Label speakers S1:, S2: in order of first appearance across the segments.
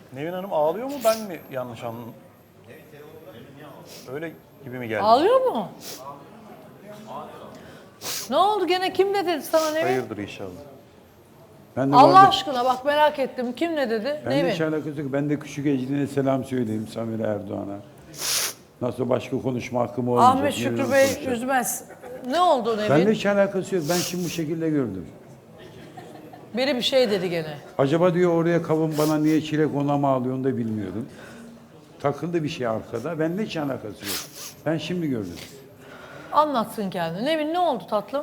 S1: Nevin Hanım ağlıyor mu, ben mi yanlış anladım? Öyle gibi mi geldi?
S2: Ağlıyor mu? Ne oldu gene, kim ne dedi sana Nevin?
S1: Hayırdır inşallah.
S3: Ben de
S2: Allah
S3: bu arada-
S2: aşkına bak, merak ettim. Kim ne dedi?
S3: Ben de
S2: Nevin.
S3: hiç alakası yok. Ben de küçük Ecrin'e selam söyleyeyim Samir Erdoğan'a. Nasıl başka konuşma hakkım olmayacak.
S2: Ahmet
S3: Nevin
S2: Şükrü
S3: Hanım
S2: Bey
S3: konuşacak.
S2: üzmez. Ne oldu Nevin?
S3: Ben de hiç alakası yok. Ben şimdi bu şekilde gördüm.
S2: Biri bir şey dedi gene.
S3: Acaba diyor oraya kavun bana niye çilek ona mı alıyorsun da bilmiyordum. Takıldı bir şey arkada. Ben de hiç alakası yok. Ben şimdi gördüm.
S2: Anlatsın kendini. Nevin, ne oldu tatlım?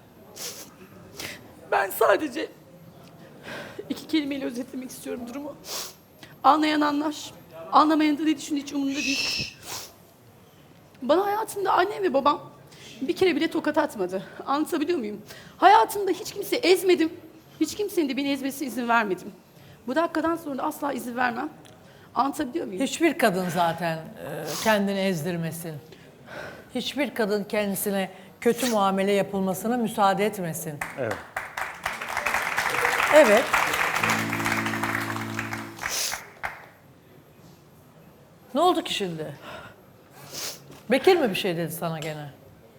S4: Ben sadece iki kelimeyle özetlemek istiyorum durumu. Anlayan anlar. Anlamayan da ne düşündüğü hiç umurumda değil. Bana hayatımda annem ve babam bir kere bile tokat atmadı. Anlatabiliyor muyum? Hayatımda hiç kimse ezmedim. Hiç kimsenin de beni ezmesine izin vermedim. Bu dakikadan sonra da asla izin vermem. Anlatabiliyor muyum?
S2: Hiçbir kadın zaten kendini ezdirmesin. Hiçbir kadın kendisine kötü muamele yapılmasına müsaade etmesin.
S1: Evet.
S2: Evet. Ne oldu ki şimdi? Bekir mi bir şey dedi sana gene?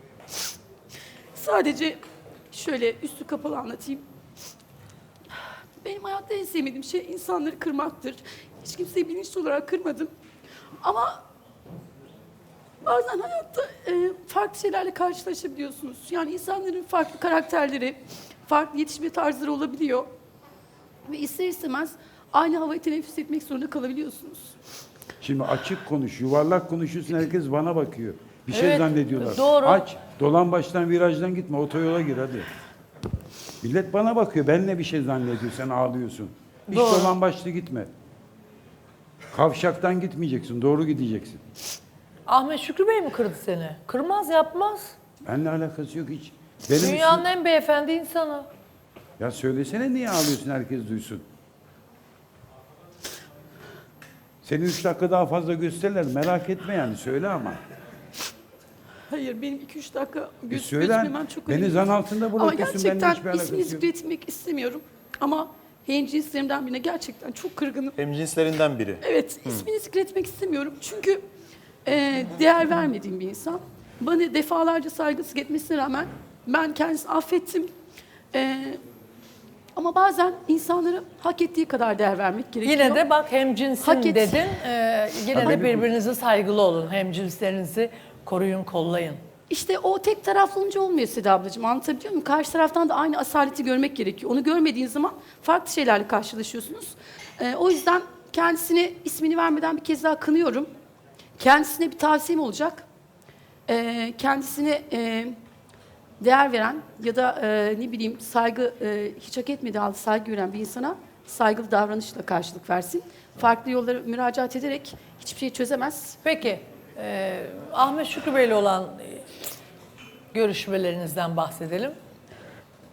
S4: Sadece şöyle üstü kapalı anlatayım. Benim hayatta en sevmediğim şey insanları kırmaktır. Hiç kimseyi bilinçli olarak kırmadım. Ama bazen hayatta farklı şeylerle karşılaşabiliyorsunuz. Yani insanların farklı karakterleri, farklı yetişme tarzları olabiliyor. Ve ister istemez aynı havayı teneffüs etmek zorunda kalabiliyorsunuz.
S3: Şimdi açık konuş, yuvarlak konuşuyorsun, herkes bana bakıyor. Bir şey
S2: Evet,
S3: zannediyorlar.
S2: doğru.
S3: Aç, dolan baştan virajdan gitme, otoyola gir hadi. Millet bana bakıyor, ben ne bir şey zannediyor, sen ağlıyorsun. Hiç
S2: Doğru.
S3: dolan başlı gitme. Kavşaktan gitmeyeceksin, doğru gideceksin.
S2: Ahmet Şükrü Bey mi kırdı seni? Kırmaz, yapmaz.
S3: Benimle alakası yok hiç. Benim
S2: Dünyanın en beyefendi insanı.
S3: Ya söylesene niye ağlıyorsun, herkes duysun. Seni 3 dakika daha fazla gösterirler, merak etme yani, söyle ama.
S4: Hayır, benim 2-3 dakika
S3: Söyle,
S4: gözükmemem çok
S3: beni
S4: önemli.
S3: zan altında
S4: Ama
S3: bırakıyorsun, benimle
S4: gerçekten
S3: hiçbir alakası
S4: ismini
S3: yok.
S4: zikretmek istemiyorum. Ama hemcinslerimden birine gerçekten çok kırgınım.
S1: Hemcinslerinden biri.
S4: Evet, ismini zikretmek istemiyorum. Çünkü değer vermediğim bir insan. Bana defalarca saygısızlık etmesine rağmen ben kendisini affettim. Ama bazen insanlara hak ettiği kadar değer vermek gerekiyor.
S2: Yine de bak, hemcinsin
S4: Hak et.
S2: dedin. Yine
S3: Ama
S2: de birbirinize saygılı olun. Hemcinslerinizi koruyun, kollayın.
S4: İşte o tek taraflı olunca olmuyor Seda ablacığım, anlatabiliyor muyum? Karşı taraftan da aynı asaleti görmek gerekiyor. Onu görmediğin zaman farklı şeylerle karşılaşıyorsunuz. O yüzden kendisine ismini vermeden bir kez daha kınıyorum. Kendisine bir tavsiyem olacak. Kendisine değer veren ya da ne bileyim saygı hiç hak etmediği halde saygı gören bir insana saygılı davranışla karşılık versin. Farklı yollara müracaat ederek hiçbir şey çözemez.
S2: Peki, Ahmet Şükrü Bey'le olan görüşmelerinizden bahsedelim.